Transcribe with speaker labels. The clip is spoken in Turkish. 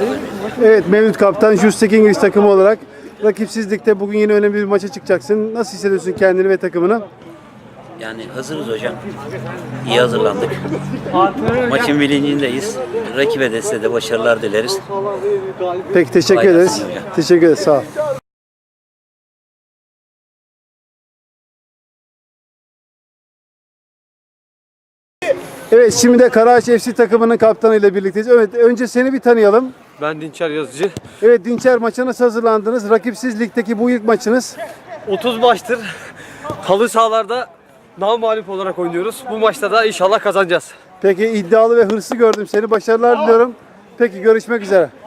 Speaker 1: Evet, Mevlüt Kaptan, Justek İngiliz takımı olarak rakipsizlikte bugün yine önemli bir maça çıkacaksın. Nasıl hissediyorsun kendini ve takımını?
Speaker 2: Yani hazırız hocam. İyi hazırlandık. Maçın bilincindeyiz. Rakibe de size de başarılar dileriz.
Speaker 1: Peki, teşekkür
Speaker 2: Kolay
Speaker 1: ederiz.
Speaker 2: gelsin hocam.
Speaker 1: Teşekkür ederiz, sağ ol. Evet, şimdi de Karaağaç FC takımının kaptanı ile birlikteyiz. Evet, önce seni bir tanıyalım.
Speaker 3: Ben Dinçer Yazıcı.
Speaker 1: Evet Dinçer, maça nasıl hazırlandınız? Rakipsiz ligdeki bu ilk maçınız.
Speaker 3: 30 maçtır halı sahalarda namağlup olarak oynuyoruz. Bu maçta da inşallah kazanacağız.
Speaker 1: Peki, iddialı ve hırslı gördüm seni. Başarılar diliyorum. Peki, görüşmek üzere.